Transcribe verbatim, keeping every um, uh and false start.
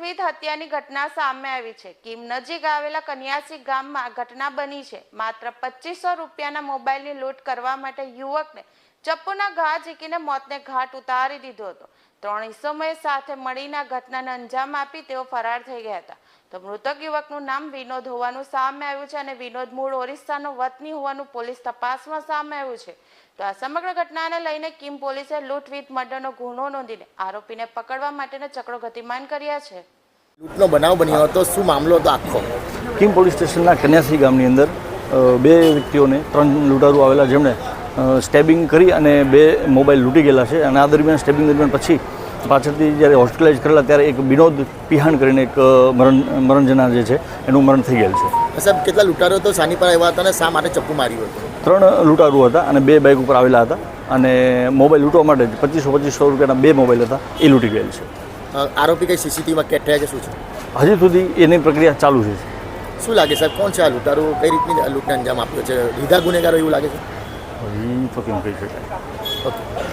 લૂંટવીત હત્યાની ઘટના સામે આવી છે। કીમ નજીક આવેલા કન્યાસી ગામમાં ઘટના બની છે। માત્ર પચીસો રૂપિયાના મોબાઈલની લૂંટ કરવા માટે યુવકને ચપ્પુના ઘા ઝીકીને મોતને ઘાટ ઉતારી દીધો હતો। ત્રણ ઇસમોએ સાથે મળીને આ ઘટનાને અંજામ આપી તેઓ ફરાર થઈ ગયા હતા। તો મૃતક યુવકનું નામ વિનોદ હોવાનું સામે આવ્યું છે અને વિનોદ મૂળ ઓરિસ્સાનો વતની હોવાનું પોલીસ તપાસમાં સામે આવ્યું છે। તો આ સમગ્ર ઘટનાને લઈને કીમ પોલીસે લૂંટ વિથ મર્ડરનો ગુનો નોંધીને આરોપીને પકડવા માટેના ચક્રો ગતિમાન કર્યા છે। લૂંટનો બનાવ બન્યો હતો, શું મામલો હતો આખો? કીમ પોલીસ સ્ટેશનના કન્યાસી ગામની અંદર બે વ્યક્તિઓને ત્રણ લૂંટારૂ આવેલા જેમણે સ્ટેબિંગ કરી અને બે મોબાઈલ લૂંટી ગયેલા છે અને આ દરમિયાન સ્ટેબિંગ દરમિયાન પછી પાછળથી જ્યારે હોસ્પિટલાઇઝ કરેલા ત્યારે એક વિનોદ પિહાણ કરીને એક મરણ મરણ જનાર જે છે એનું મરણ થઈ ગયેલ છે। સાહેબ, કેટલા લૂંટારો તો સાની પર આવ્યા હતા અને શા માટે ચપ્પુ માર્યું હતું? ત્રણ લૂંટારૂ હતા અને બે બાઇક ઉપર આવેલા હતા અને મોબાઈલ લૂંટવા માટે પચીસો પચીસો રૂપિયાના બે મોબાઈલ હતા એ લૂંટી ગયેલ છે। આરોપી કઈ સીસીટીવીમાં કેદ થયા કે શું છે? હજી સુધી એની પ્રક્રિયા ચાલુ છે। શું લાગે સાહેબ, કોણ છે આ લૂંટારો? કઈ રીતની લૂંટને અંજામ આપ્યો છે? લીધા ગુનેગારો એવું લાગે છે? હજી તો કેમ કહી શકાય? ઓકે।